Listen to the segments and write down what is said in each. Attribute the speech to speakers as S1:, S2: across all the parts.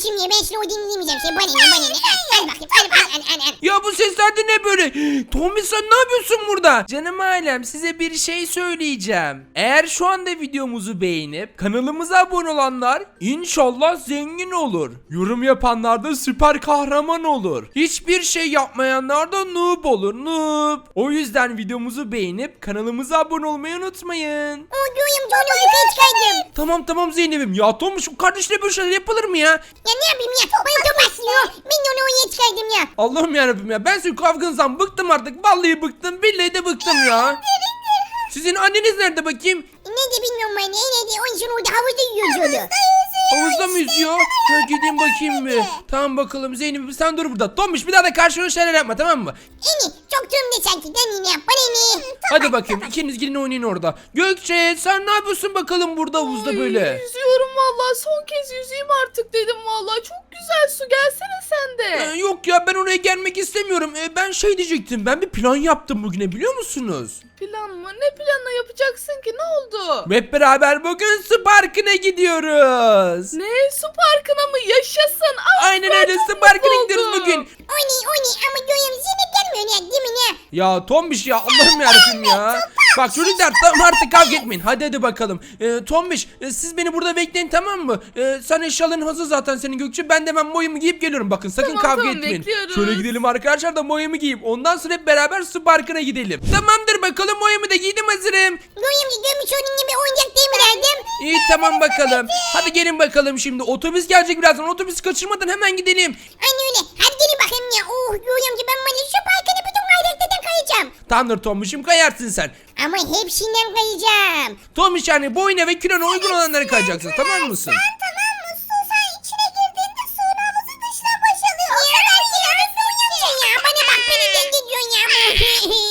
S1: kardeşim ya. Ben şimdi o dinlemeyeceğim. Şey bana ne bana ne. Al bakayım al.
S2: Ya bu sesler de ne böyle? Tommy sen ne yapıyorsun burada? Canım ailem size bir şey söyleyeceğim. Eğer şu anda videomuzu beğenip kanalımıza abone olanlar inşallah zengin olur. Yorum yapanlar da süper kahraman olur. Hiçbir şey yapmayanlar da noob olur, noob. O yüzden videomuzu beğenip kanalımıza abone olmayı unutmayın.
S1: O duyuyorum onu yukarı çıkardım.
S2: Tamam Zeynep'im ya Tomuş kardeşle böyle şeyler yapılır mı ya?
S1: Ya ne yapayım ya? Bana Thomas diyor. Ben de onu oraya çıkardım ya.
S2: Allah'ım yarabbim ya ben sizin kavganızdan bıktım artık. Vallahi bıktım billahi de bıktım ya. Sizin anneniz nerede bakayım?
S1: Ne de bilmiyorum ben. Ne de onun için orada havuzda yüzüyordu.
S2: Havuzda mı yüzüyor? Ha, gideyim bakayım bir. Tamam bakalım Zeynep sen dur burada. Tomuş bir daha da karşına şeyler yapma tamam mı?
S1: Çok durumda sanki. Ben ne yap? Bana ne?
S2: Hadi bakayım ikiniz gidin oynayın orada. Gökçe sen ne yapıyorsun bakalım burada havuzda böyle?
S3: Yüzüyorum vallahi son kez yüzeyim artık dedim vallahi çok güzel su gelsene sen de.
S2: Yok ya ben oraya gelmek istemiyorum. Ben şey diyecektim ben bir plan yaptım bugüne biliyor musunuz?
S3: Plan mı? Ne planla yapacaksın ki ne oldu?
S2: Hep beraber bugün su parkına gidiyoruz.
S3: Ne su parkına mı yaşasın?
S2: Aynen öyle su parkına gidiyoruz bugün.
S1: O ne ama duyuyorum seni gelmiyor ya değil mi ne?
S2: Ya Tombiş ya Allah'ım yarabbim ya. Bak çocuklar tamam artık kavga etmeyin. Hadi bakalım. Tombiş siz beni burada bekleyin tamam mı? Sen eşyaların hazır zaten senin Gökçe. Ben de hemen boyamı giyip geliyorum. Bakın sakın kavga etmeyin.
S3: Bekliyoruz.
S2: Şöyle gidelim arkadaşlar da boyamı giyeyim. Ondan sonra hep beraber su parkına gidelim. Tamamdır bakalım boyamı da giydim hazırım.
S1: Duyuyorum görmüş onun gibi oyuncak değil mi derdim?
S2: İyi tamam bakalım. Hadi gelin bakalım şimdi. Otobüs gelecek birazdan. Otobüsü kaçırmadan hemen gidelim.
S1: Anne öyle. Hadi gelin bakayım ya. Duyuyorum ki ben bana şu parkını bütün kaydaktadan kayacağım.
S2: Tamamdır Tombiş'im kayarsın sen.
S1: Ama hepsinden kayacağım.
S2: Tombiş yani boyuna ve kilona uygun olanları kayacaksın tamam mısın?
S1: Tamam mı? Sen içine girdiğinde suyun havuzu dışına boşalıyor. Ya bana bak beni dengeliyorsun ya.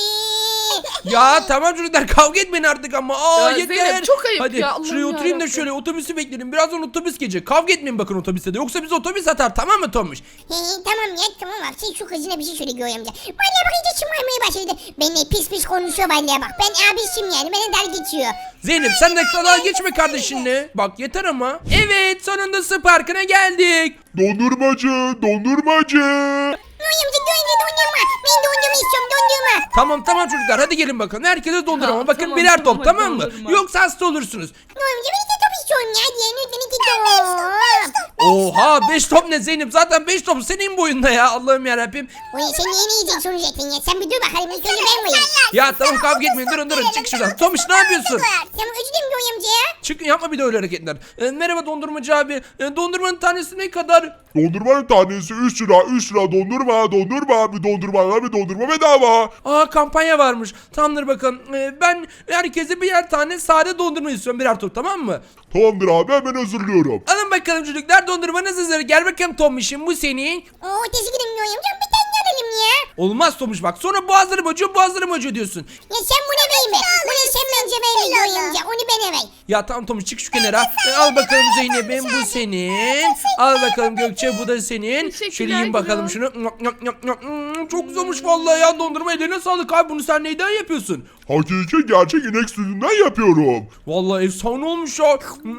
S2: Ya tamam çocuklar kavga etmeyin artık ama.
S3: Ya
S2: Yeter.
S3: Zeynep, çok ayıp
S2: Hadi
S3: ya, Allah'ım
S2: şuraya oturayım da
S3: yarabbim.
S2: şöyle otobüsü bekleyelim. Birazdan otobüs gelecek. Kavga etmeyin bakın otobüste de. Yoksa biz otobüs atar tamam mı Tomuş?
S1: Tamam ya tamam abi sen şu kızına bir şey söyle Göğe amca. Vallahi bak iyice şımarmaya başladı. Benimle pis konuşuyor vallahi bak. Ben abisiyim yani bana dar geçiyor.
S2: Zeynep sen de dalga geçme kardeşinle. Bak yeter ama. Evet sonunda su parkına geldik.
S4: Dondurmacı, dondurmacı.
S1: Göğe amca dondurma. Ben dondurma istiyorum dondurma.
S2: Tamam çocuklar hadi gelin bakalım. Herkese dondurma.
S3: Ha,
S2: Bakın
S3: tamam,
S2: birer
S3: tamam,
S2: top
S3: hadi
S2: tamam mı?
S3: dondurma.
S2: Yoksa hasta olursunuz.
S1: Göğe amca ben iki top istiyorum ya. Diye lütfen iki top.
S2: Oha 5 top ne Zeynep? Zaten 5 top senin boyunda ya. Allah'ım yarabbim.
S1: Oy sen yeni yiyeceksin sonuçta ya. Sen bir dur bakalım. İlk önce ben koyayım.
S2: Ya tamam kavga etmeyin. Durun çık şuradan. Tomuş ne yapıyorsun?
S1: Tamam özür dilerim Göğe amca ya.
S2: Çıkın yapma bir de öyle hareketler. Merhaba dondurmacı abi. Dondurmanın tanesi ne kadar?
S4: Dondurmanın tanesi 3 lira, 3 lira dondurma, dondurma, bir dondurma bedava.
S2: Aa kampanya varmış. Tamamdır bakın. Ben herkese birer tane sade dondurma istiyorum. Birer top tamam mı?
S4: Tamamdır abi hemen hazırlıyorum.
S2: Alın bakalım çocuklar dondurmanız hazır. Gel bakalım Tomiş'im bu senin.
S1: Oo teşekkür ederim Göğe amca. Bir tane alalım ya.
S2: Olmaz Tomuş bak. Sonra boğazlarım acıyor diyorsun.
S1: Ya sen buna verme. Bunu sen bence verme Göğe amca. Onu bana ver.
S2: Ya tamam Tomuş çık şu kenara. Al bakalım Zeynep'im bu senin. Al bakalım Gökçe bu da senin.
S3: Teşekkürler
S2: Şöyle yiyin bakalım
S3: Gürol.
S2: şunu. Çok güzelmiş vallahi ya dondurma eline sağlık abi. Bunu sen neyden yapıyorsun?
S4: Hakiki gerçek inek sütünden yapıyorum.
S2: Vallahi efsane olmuş ya.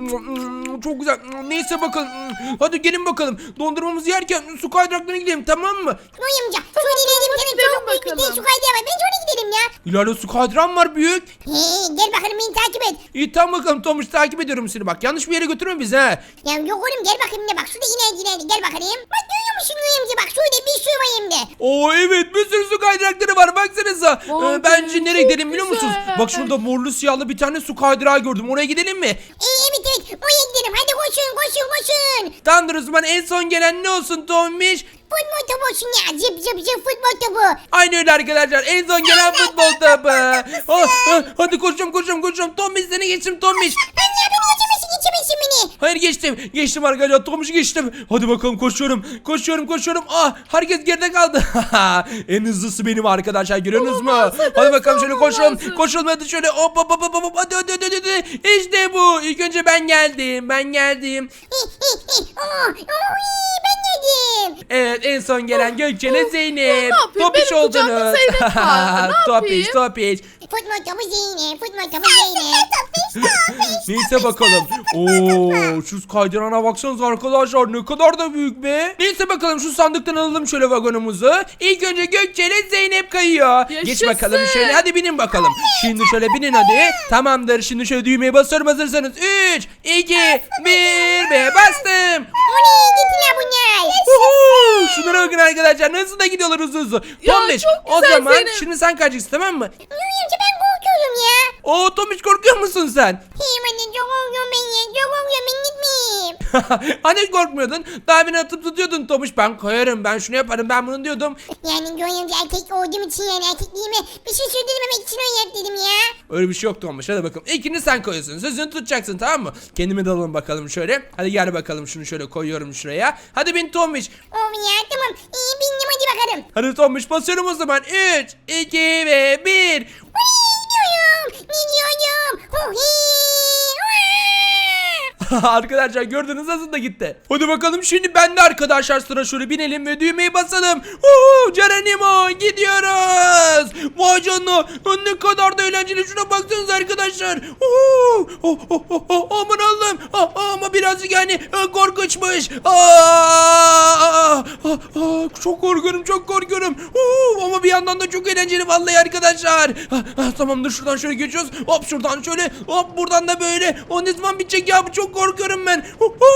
S2: Çok güzel. Neyse bakalım. Hadi gelin bakalım. Dondurmamızı yerken su kaydıraklarına gidelim tamam mı?
S1: Göğe amca. Şöyle inelim.
S3: hadi
S1: Senin
S3: gidelim
S1: çok büyük bir
S3: bakalım.
S1: su kaydığı var. Bence ona gidelim ya.
S2: İleride su kaydıran var büyük.
S1: Gel bakalım beni takip et.
S2: İyi tamam bakalım Tomuş takip ediyorum seni bak. Yanlış bir yere götürme bizi ha.
S1: Ya yok oğlum gel bakayım ne bak şurada inerdi gel bakayım. Bak görüyor musun Göğe amca bak şurada bir sürü var hem de.
S2: Oo evet bir sürü su kaydırakları var baksanıza.
S3: Vay
S2: Bence
S3: be,
S2: nereye
S3: çok
S2: gidelim biliyor musunuz?
S3: güzel.
S2: Bak şurada morlu siyahlı bir tane su kaydırağı gördüm. Oraya gidelim mi?
S1: Evet oraya gidelim hadi koşun.
S2: Tamamdır o zaman en son gelen ne olsun Tomiş?
S1: Futbol topu olsun ya zıp futbol topu.
S2: Aynı öyle arkadaşlar en son gelen futbol topu. Hadi koşuyorum. Tomiş seni geçtim Tomiş.
S1: Ben ya beni geçemesin beni.
S2: Hayır geçtim arkadaşlar Tomuş'u geçtim. Hadi bakalım koşuyorum. Herkes geride kaldı. En hızlısı benim arkadaşlar görüyorsunuz mu?
S3: Olamaz,
S2: Hadi bakalım şöyle
S3: olamaz.
S2: koşalım hadi şöyle hop hadi. İşte bu ilk önce ben geldim.
S1: Ben yedim.
S2: Evet en son gelen Gökçe'yle Zeynep.
S3: Ne yapayım?
S2: Topiş
S3: Benim kucağımda
S2: oldunuz.
S3: Zeynep vardı. Ne
S2: Topiş.
S1: Futbol topu Zeynep.
S2: Neyse bakalım. Oo, şu kaydırana baksanıza arkadaşlar, ne kadar da büyük be. Neyse bakalım, şu sandıktan alalım şöyle vagonumuzu. İlk önce Gökçe ile Zeynep kayıyor. Geç
S3: Yaşasın.
S2: bakalım şöyle, hadi binin bakalım. Şimdi şöyle binin hadi. Tamamdır, şimdi şöyle düğmeye basıyorum, hazırsanız. 3, 2, 1 ve bastım.
S1: Oley gittiler bunlar.
S2: Uhu, şunlara bakın arkadaşlar, nasıl da gidiyorlar hızlı hızlı.
S3: Ya,
S2: Tombiş,
S3: çok
S2: o
S3: güzel
S2: zaman
S3: Zeynep.
S2: şimdi sen kayacaksın, tamam mı?
S1: Yoy amca ben korkuyorum ya.
S2: Oo Tombiş, korkuyor musun sen?
S1: Hey anne çok korkuyorum ben ya. Çok korkuyorum ben gitmeyeyim.
S2: Hani korkmuyordun? Daha beni atıp tutuyordun Tomuş. Ben koyarım, ben şunu yaparım, ben bunu diyordum.
S1: Yani Yoy amca erkek olduğum için yani erkekliğime bir şey sürdürmemek için öyle yap dedim ya.
S2: Öyle bir şey yok Tomuş. Hadi bakalım. İlkini sen koyuyorsun. Sözünü tutacaksın, tamam mı? Kendime dalalım bakalım şöyle. Hadi gel bakalım, şunu şöyle koyuyorum şuraya. Hadi bin Tomuş.
S1: Oh ya tamam. İyi bindim hadi bakalım.
S2: Hadi Tomuş, basıyorum o zaman. 3, 2 ve 1.
S1: Oley gidiyorum. Gidiyorum. Oh
S2: Arkadaşlar gördünüz, nasıl da gitti. Hadi bakalım, şimdi bende arkadaşlar sıra, şöyle binelim ve düğmeyi basalım. Geronimo, gidiyoruz. Vay canına, ne kadar da eğlenceli, şuna baksanıza arkadaşlar. Aman Allah'ım, ama birazcık yani korkunçmuş. Çok korkuyorum, çok korkuyorum. Ama bir yandan da çok eğlenceli vallahi arkadaşlar. Tamamdır, şuradan şöyle geçiyoruz. Hop şuradan şöyle, hop buradan da böyle. O ne zaman bitecek ya, bu çok korkuyorum ben.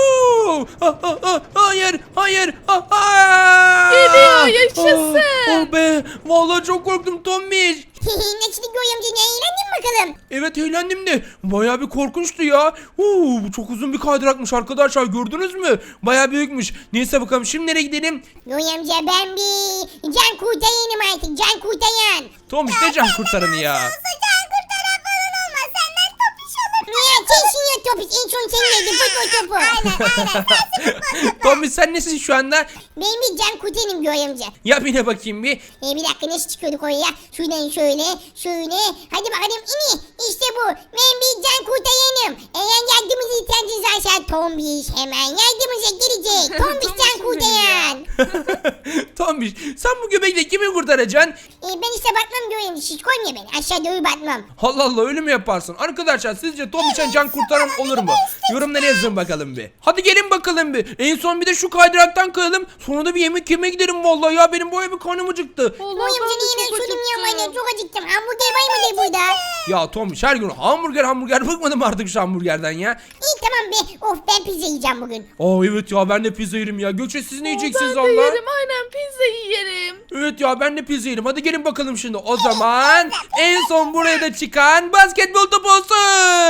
S2: Hayır, hayır.
S3: Geliyor, yaşasın.
S2: Oh be, vallahi çok korktum Tombiş.
S1: Nasıl Yoy amca ne eğlendin bakalım.
S2: Evet, eğlendim de bayağı bir korkunçtu ya. Bu çok uzun bir kaydırakmış arkadaşlar, gördünüz mü? Bayağı büyükmüş. Neyse bakalım, şimdi nereye gidelim?
S1: Yoy amca ben bir can kurtayanım artık can kurtayan.
S2: Tombiş, ne can kurtaranı ya?
S1: Can kurtaran falan olmaz senden topiş olur. Niye sensin ya topiş en son sen yedin futbol topu. Aynen.
S2: Tombiş, sen nesin şu anda?
S1: Ben bir can kurtayanım Yoy amca.
S2: Yap yine bakayım bir.
S1: Bir dakika nasıl çıkıyorduk oraya? Şuradan şöyle şöyle. Hadi bakalım ini. İşte bu. Ben bir can kurtayanım. Eğer yardımınızı ihtiyacınız varsa Tombiş hemen yardımınıza gelecek. Tombiş can kurtayan.
S2: Tombiş, sen bu göbekle kimi kurtaracaksın?
S1: Ben işte batmam Yoy amca. Siz koymuyor beni. Aşağı doğru batmam.
S2: Allah Allah, öyle mi yaparsın? Arkadaşlar sizce Tombiş'ten can kurtaran olur mu? Yorumlara yazın bakalım bir. Hadi gelin bakalım bir. En son bir de şu kaydıraktan kayalım. Sonra da bir yemek yemeye gidelim vallahi ya. Benim bu bir karnım acıktı.
S3: Vallahi
S1: Yoy amca
S3: ben de
S1: niye ben
S3: çok
S1: şunu
S3: acıktım.
S1: yapmayın? Çok acıktım. Hamburger var mıdır burada?
S2: Ya Tombiş, her gün hamburger bıkmadım artık şu hamburgerden ya.
S1: İyi tamam be. Of ben pizza yiyeceğim bugün.
S2: Evet ya, ben de pizza yerim ya. Gökçe, siz ne yiyeceksiniz
S3: Ben de
S2: valla?
S3: yerim, aynen pizza yerim.
S2: Evet ya, ben de pizza yerim. Hadi gelin bakalım şimdi. O zaman en son buraya da çıkan basketbol topu olsun.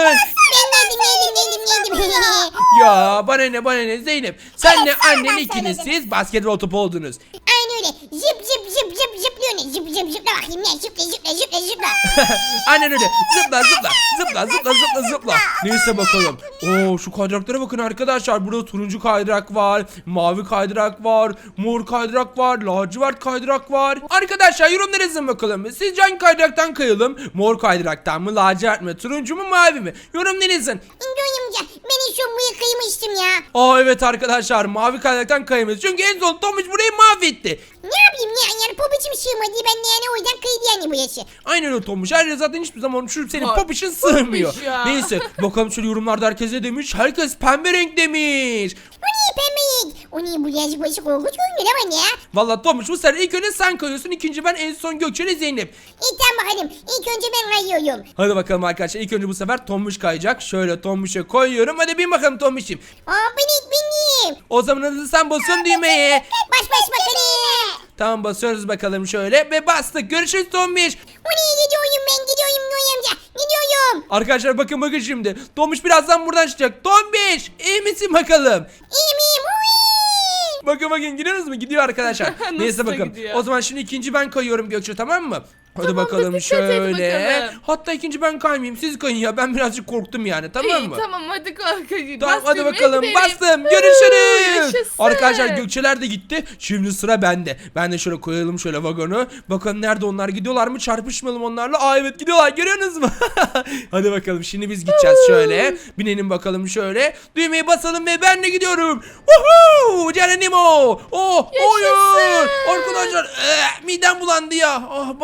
S1: Ben yedim.
S2: Ya bana ne Zeynep. Senle annen ikiniz siz basketbol topu oldunuz.
S1: Aynen öyle. Zıplıyor ne? Zıpla bakayım ne? Zıpla.
S2: Aynen öyle. Zıpla. Neyse bakalım. Şu kaydıraklara bakın arkadaşlar. Burada turuncu kaydırak var. Mavi kaydırak var. Mor kaydırak var. Lacivert kaydırak var. Arkadaşlar yorumlara yazın bakalım. Sizce hangi kaydıraktan kayalım? Mor kaydıraktan mı? Lacivert mi? Turuncu mu? Mavi mi? Yorumlara yazın.
S1: Amca ben şu buraya kıymıştım ya.
S2: Evet arkadaşlar, mavi kaydıraktan kayamayız. Çünkü en son Tomuş burayı mahvetti.
S1: Ne yapayım ya? Yani popiçim sığmadı. Ben de yani o yüzden kıydı yani bu yaşı.
S2: Aynen öyle Tomuş. Her zaten hiçbir zaman şu senin
S3: Ay,
S2: popişin sığmıyor.
S3: Tomuş ya.
S2: Neyse bakalım şöyle yorumlarda herkes ne demiş? Herkes pembe renk demiş.
S1: O niye pembeyik? O niye bu yaşı başı korkunç görünüyor ama ya?
S2: Vallahi Tomuş, bu sefer ilk önce sen kayıyorsun. İkinci ben, en son Gökçe ile Zeynep.
S1: Tamam bakalım. İlk önce ben kayıyorum.
S2: Hadi bakalım arkadaşlar. İlk önce bu sefer Tomuş kayacak. Şöyle Tomuş'a koyuyorum. Hadi bin bakalım Tomuş'im.
S1: Benim.
S2: O zaman hadi sen basın düğmeye.
S1: Baş bakalım.
S2: Tamam, basıyoruz bakalım şöyle ve bastık. Görüşürüz Tomuş.
S1: O niye gidiyorum ben gidiyorum Yoy amca. Gidiyorum.
S2: Arkadaşlar bakın şimdi. Tomuş birazdan buradan çıkacak. Tomuş, iyi misin bakalım?
S1: İyiyim.
S2: Bakın gidiyoruz mu? Gidiyor arkadaşlar.
S3: Nasıl
S2: Neyse
S3: da
S2: bakın.
S3: gidiyor?
S2: O zaman şimdi ikinci ben kayıyorum Gökçe, tamam mı? Hadi
S3: Tamamdır,
S2: bakalım
S3: dikkat et
S2: şöyle.
S3: bakalım.
S2: Hatta ikinci ben kaymayayım. Siz kayın ya. Ben birazcık korktum yani, tamam
S3: İyi,
S2: mı?
S3: tamam hadi kalk.
S2: Tamam, hadi
S3: düğmeye
S2: bakalım.
S3: gidelim.
S2: Bastım. Görüşürüz.
S3: Yaşasın.
S2: Arkadaşlar Gökçeler de gitti. Şimdi sıra bende. Ben de şöyle koyalım şöyle vagonu. Bakalım nerede onlar, gidiyorlar mı? Çarpışmayalım onlarla. Evet gidiyorlar, görüyorsunuz mu? Hadi bakalım şimdi biz gideceğiz şöyle. Binelim bakalım şöyle. Düğmeyi basalım ve ben de gidiyorum. Woohoo! Geronimo. Hayır. Arkadaşlar midem bulandı ya. Bayağı bir kafa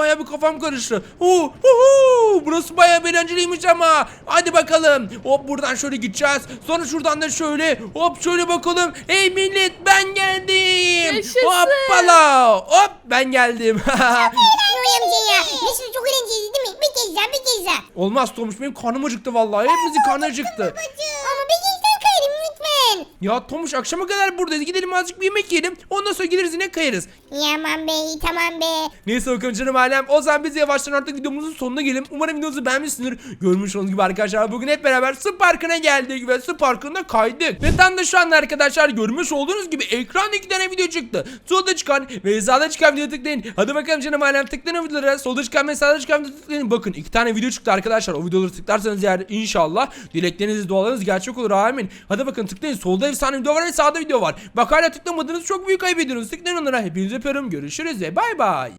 S2: kafam karıştı. Burası bayağı eğlenceliymiş ama. Hadi bakalım. Hop buradan şöyle gideceğiz. Sonra şuradan da şöyle. Hop şöyle bakalım. Hey millet ben geldim.
S3: Yaşasın.
S2: Hoppala. Hop ben geldim.
S1: Noy amca ya. Nasıl çok eğlenceli değil mi? Bir kez daha bir kez daha.
S2: Olmaz Tomuş benim karnım acıktı vallahi. Hepimizin karnı acıktı.
S1: Ama bir kez daha kayarım lütfen.
S2: Ya Tomuş akşama kadar buradayız. Gidelim azıcık bir yemek yiyelim. Ondan sonra gideriz yine kayarız.
S1: Yaman bey tamam be.
S2: Neyse bakalım canım ailem. O zaman biz yavaştan artık videomuzun sonuna gelelim. Umarım videomuzu beğenmişsinizdir. Görmüş olduğunuz gibi arkadaşlar bugün hep beraber su parkına geldik ve su parkında kaydık. Ve tam da şu anda arkadaşlar görmüş olduğunuz gibi ekranda 2 tane video çıktı. Solda çıkan ve sağda çıkan videoya tıklayın. Hadi bakalım canım ailem tıklayın o videolara. Solda çıkan ve sağda çıkan videoya tıklayın. Bakın 2 tane video çıktı arkadaşlar. O videoları tıklarsanız eğer inşallah dilekleriniz dualarınız gerçek olur amin. Hadi bakın tıklayın. Solda efsane video var ve sağda video var. Bak hala tıklamadınız çok büyük kaybediyorsunuz. Tıklayın onlara. Hepinizi öpüyorum. Görüşürüz ve bay bay.